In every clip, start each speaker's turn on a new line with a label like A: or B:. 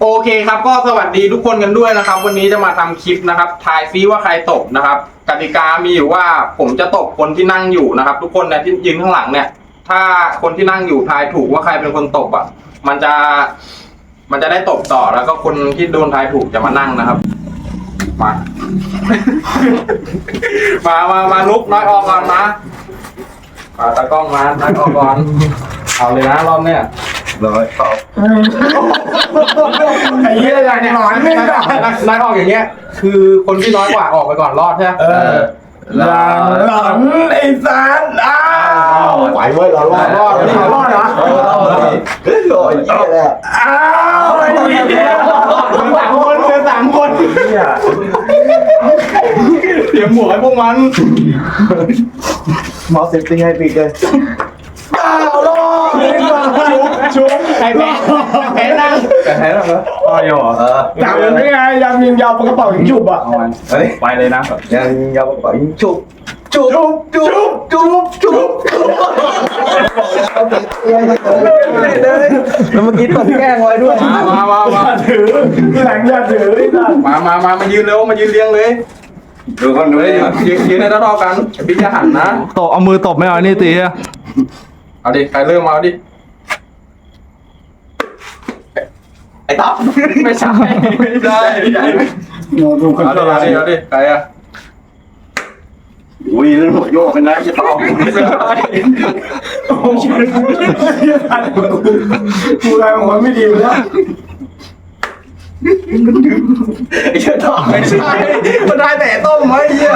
A: โอเคครับก็สวัสดีทุกคนกันด้วยนะครับวันนี้จะมาทำคลิปนะครับทายซิว่าใครตบนะครับกติกามีอยู่ว่าผมจะตบคนที่นั่งอยู่นะครับทุกคนนะที่ยืนข้างหลังเนี่ยถ้าคนที่นั่งอยู่ทายถูกว่าใครเป็นคนตบอ่ะมันจะได้ตบต่อแล้วก็คนที่โดนทายถูกจะมานั่งนะครับมาลุกน้อยออกก่อนมาตากล้องมาน้อยออกก่อนเอาเลยนะรอบเนี้ย
B: เลยตอบ
A: ไอ้เหี้ยอะไรเนี่ยน้อยออกอย่างเงี้ยคือคนที่น้อยกว่าออกไปก่อนรอดใช่ไหม
B: หลังไอ้สารไหวเว้ยเรารอด
A: รอดเหรอ
B: เฮ้ยโอ้ยยี่แหละ
A: ไอ้เหี้ยสามคนเตรียมหมวกให้พวกมัน
B: มอสเซฟติ้งให้ปีกเลยรอด
A: ชุบใครแพ้นั่ง
B: แต่แพ้แล้วเหรออ๋อเหรอ
C: จับยังไงยิงยาวปากกระเป๋ายิงฉุบอ่ะ
B: เฮ้ย
A: ไปเลยนะ
B: ยังยาวกว่ายิงฉุบแล้วเมื่อกี้ตบแกล้งไว้ด้วย
A: มา
C: ถือที่หลังอย่าถือ
A: มายืนเร็วมายืนเรียงเลย
B: ดูคนดู
A: ยืนให้เท่ากันพี่จะหันนะ
D: ตบเอามือตบไม่เอานี่ตีอะ
A: เอาดิใครเริ่มเอาดิ
B: ไอ้ต๊อบ
A: ไม่ใช่เอาดิใครอะ
B: อุ้ยเรื่องหัวโยกเป็นนะจะต้อง
C: กูอะไรของมันไม่ดีแล้ว
B: ไอ้เจ้าต่อ
A: ไม่ใช่มันได้แต่ต้มไว้เหี้ย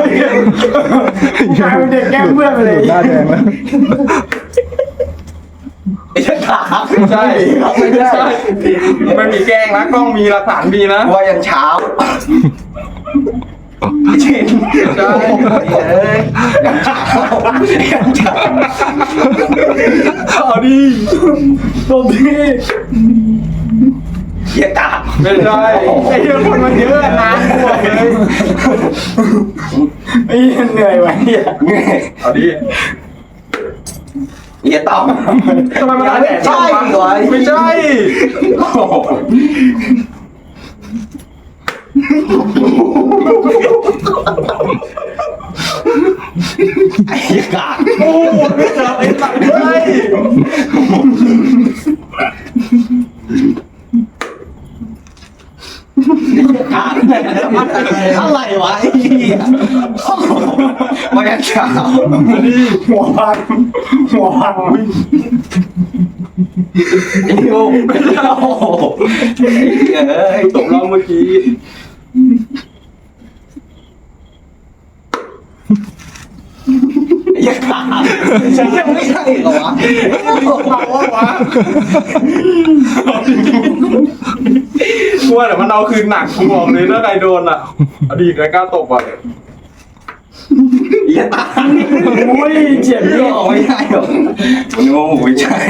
C: กลายเป็นเด็กแก้เพื่อนไปเลย
B: หน้าแดงแล้วไอ้เจ้าขา
A: ไม่ใช่ไม่มีแกล้งนะกล้องมีหลักฐานมีนะ
B: ว่ายันเช้าเช่น
A: ใช่
B: ยันเช้า
A: เอาดิ
C: ตบดี
B: เหี้ยตา
A: ไม่ใช่ไอ้เรื่องคนมันเยอะนะพวกเลย
C: ไอ้เหนื่อยว่ะเนี่ย
A: เอาดิ
B: เหี้ยต้อง
A: ทำไมมันได้แต่ต้มไม่ใช่
B: ไอ้เหี้ยกาด
A: โอ้ไม่ใช่ไอ้สัตว์ไม่ใช่
B: อะไรวะไอ้เหี้ยมายันเช้า
C: หัวพัน
A: โอ้ยตกเราเมื่อกี้
B: ยังขาดยังไม่ใช่เหรอวะ
A: กลัวแต่มันเอาคืนหนักกูบอกเลยถ้าใครโดนอ่ะอดีตใครกล้าตบอ่ะ
B: อย่าตาย
C: อุ้ยเจ็บเนี่ย
B: ไม่ใช่หรอกโน้ไม่ใช่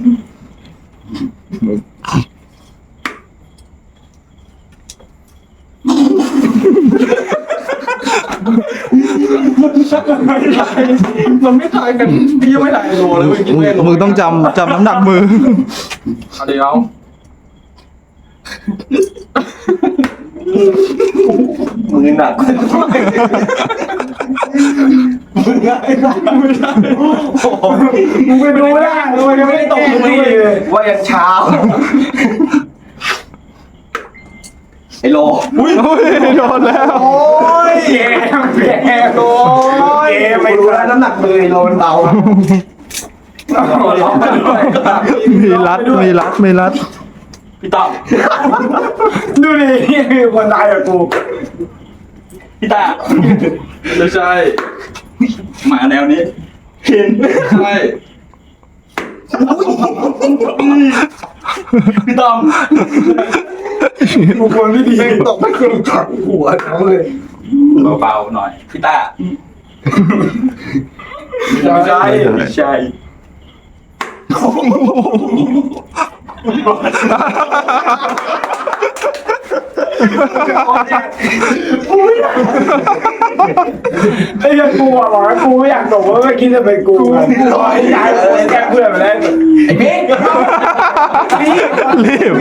A: มันไม่ตายกันพี่ยังไม่ตายโดนเลย
D: มึงต้องจำน้ำหนักมือ
A: เอาเดี๋ยว
B: มือหนัก
C: มึงไปดูได้มึงยังไม่ตกเลย
B: ว่ายันเช้าไอ้โล
D: โดนแล้ว
A: โอ้ยแย่โดน
B: ไม่รู้แล้วน้ำหนักมือไอ้โลมันเบา
D: มีรัด
A: พี่ต้อม
C: ดูดิคนตายกับกู
A: พี่ตาไม่ใช่
B: มาแนวนี้
A: เห็นใช่พี่ต้อม
C: กูคนไม่ดี
B: ตกไม่เคยจับหัวเขาเลย
A: เบาๆหน่อยพี่ตาไม่ใช่
C: ไอ้ยังกูบอกว่ากูไม่อยากตกว่าไม่คิดจะเป็นกูร้อยย้ายแกเพื่อนไปแล้ว
B: ไอ้เบ๊ก
D: รีบ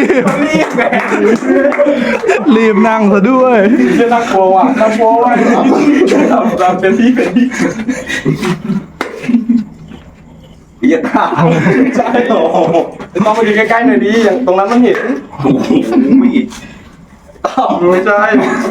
D: รีบนั่งซะด้วย
C: จะน่ากลัวว่ะน่ากลัวว่ะเราเป็นที่เหี้ยตาใช่โอ้โหต้องมาดูใกล้ๆหน่อยดิอย่างตรงนั้นมันเห็นไม่ใช่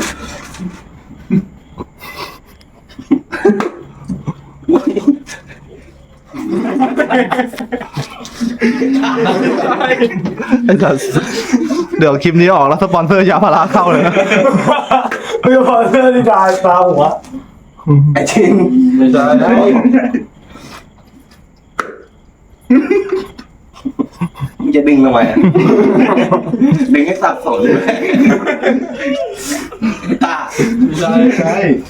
D: ไอ้สัสเดี๋ยวคลิปนี้ออกแล้วสปอนเซอร์ยาพาราเข้าเลยนะ
B: ไม่พอเสื้อที่ดาตาหัวไอ้ชิน
C: ไม่ใช่
B: มึงจะดึงทำไมอะดึงให้สับสนเลยตา
C: ไม่ใช่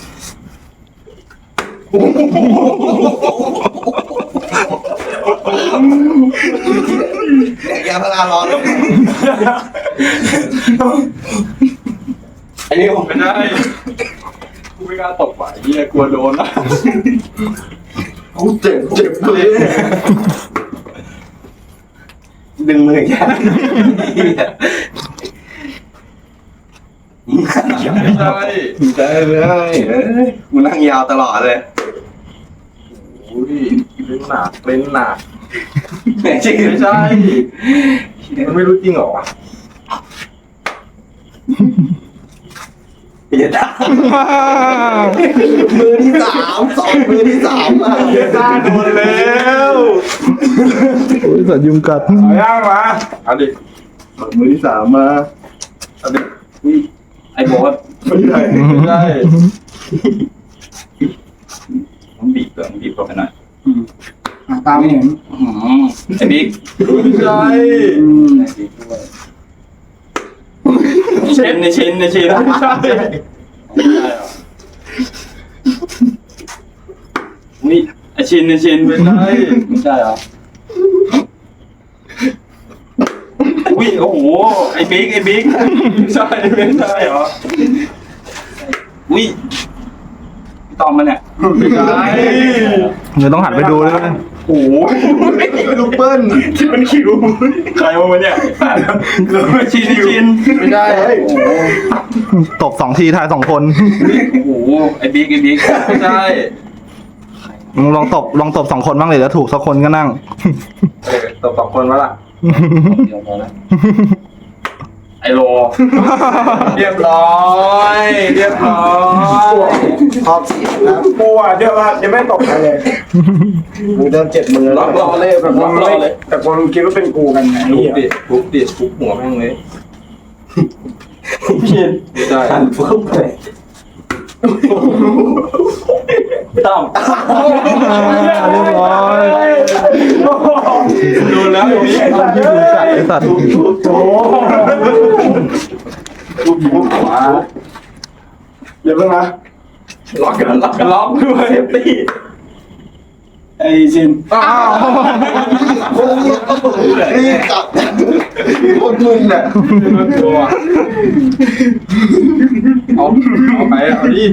B: ยาพาราร้อนไอ้นี่ผม
C: ไม่ใช่กูไม่กล้าตบว่ะเฮียกลัวโดนนะ
B: กูเจ็บเลยดึงมือแค่
C: ไม่ใช่
B: ได้เลยกูนั่งยาวตลอดเลย
C: อุ้ยเล่นหนักเล่นหนัก
B: ไม่ใช่
C: ไม่ใช่มันไม่รู้จริงเหรอวะ
B: อย่าด่ามือที่สามสองมือที่สามอ่ะ
C: เฮียกล้าโดนแล้ว
D: โอ้ยสัตว์ยุงกัด
C: เอาย่างมาเอาดิ
B: มือที่สามมา
C: เอาดิอุ้ยไอ้โบ๊ทไม่ใช่ไม่ใช่ผมบีบก่อนบีบก่อนไปหน่อย
B: ตามเห็น
C: ไอ้บิ๊กไม่ใช่เชนในเชนไม่ใช่ไม่ใช่นี่ไอชินในชินไม่ใช่ไม่ใช่เหรออุ้ยโอ้โหไอ้บิ๊กไม่ใช่ไม่ใช่เหรออุ้ยพี่ตอมมาเนี่ยไม่ใช่
D: เดี๋ยวต้องหันไปดูด้วยนะ
C: โอ้โห
B: ลูกเปิ้ล
C: ที่มันคิวใครวะเนี่ยชินไม่ได้โอ้โห
D: ตบ2 ทีทาย2 คน
C: โอ้โหไอ้บิ๊กไม่ใช่
D: ลองตบ2 คนบ้างเลยแล้วถูกสักคนก็นั่ง
C: ตบ2 คนวะล่ะเดี๋ยวพอแล้วไอโลเรียบร้อย
B: ชอบเสียงนะ
C: กูอ่ะเดี๋ยวว่าจะไม่ตบใครเลย
B: มึงเดินเจ็บมือ
C: ล็อกรอเลยแบบล็อกรอเลยแต่คนคิดว่าเป็นกูกันไงทุบหัวแม่งเลยพี่ไม่ได้
B: หันฟุ้งไป
C: ตั้ม
D: เรียบร้อย
C: ดูแล้วอย่างนี้
D: ไอ้สัตว์
C: ทุบหัว
B: เดี๋ยวเพิ่งนะ
C: ล็อกด้วยตี
B: ไอ้ชิน
D: อ้าว
B: นี่จับคนมึนอ่ะ
C: ตัวเอาไปเอาดิ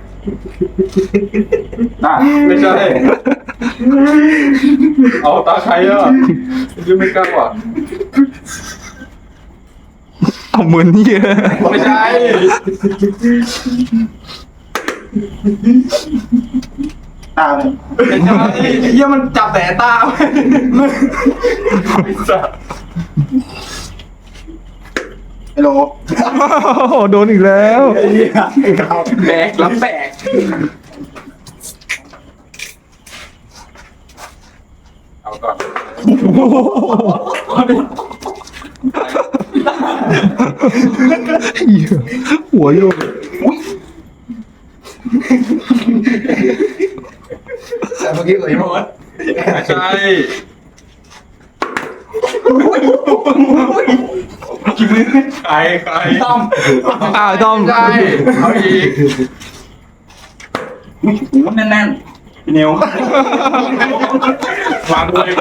C: ไม่ใช่เอาตาใครอ่ะยังไม่กล้าว่ะ
D: เอามือนี่
C: ไม่ใช่
B: ตาเลย
C: ไม่ใช่เฮียมันจับแต่ตาไม่ใช่
B: ไอ้โล
D: โอ้โดนอีกแล้ว
C: แบกรับแบกเอาก่อน
D: หัวโยก
B: แต่เมื่อกี้กับไอ้โมด
C: ไม่ใช่ใครต้อม
D: อ้าวต้อม
C: ใช่เอาอีกแน่นๆพี่นิววางเลย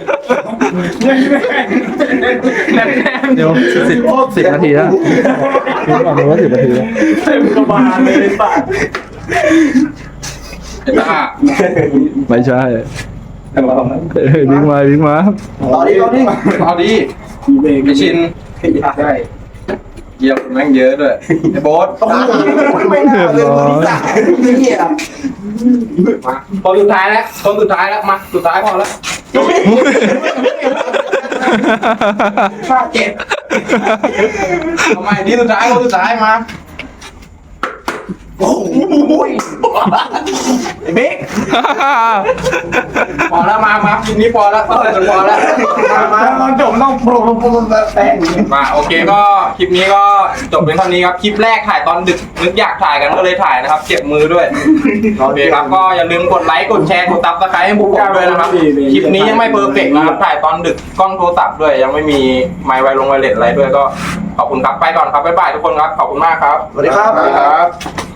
C: แน่น
D: เดี๋ยว10 นาทีแล้วบอกเลยว่า10 นาทีแล้ว
C: เต็มกระบาลเลยสัตว์ไอ้ตา
D: ไม่ใช่บิ๊กมาบิ๊กมา
B: ต่อดิต่อดิ
A: เอาดีไอชินใช่เยี่ยมแม่งเยอะด้วยไอโบ๊ท
B: ไม่น่าเลยคนที่สั่งเหี้ย
A: มาคนสุดท้ายแล้วคนสุดท้ายแล้วมาสุดท้ายพอแล้ว
B: ข้าเจ็บ
A: ทำไมนี่สุดท้ายคนสุดท้ายมา
B: โอ้โหไอ้บิ๊ก
A: พอแล้วมาคลิปนี้พอแล้วพอแล้วมา
B: ตอนจบต้องโปรแป้ง
A: มาโอเคก็คลิปนี้ก็จบเป็นเท่านี้ครับคลิปแรกถ่ายตอนดึกนึกอยากถ่ายกันก็เลยถ่ายนะครับเจ็บมือด้วยโอเคครับก็อย่าลืมกดไลค์กดแชร์กดซับสไครต์ให้พวกผมด้วยนะครับคลิปนี้ยังไม่เพอร์เฟกต์นะครับถ่ายตอนดึกกล้องโทรศัพท์ด้วยยังไม่มีไมค์ไวเลสอะไรด้วยก็ขอบคุณครับไปก่อนครับบ๊ายบายทุกคนครับขอบคุณมากครับ
B: สวัสดีครับ
A: สวัสดีครับ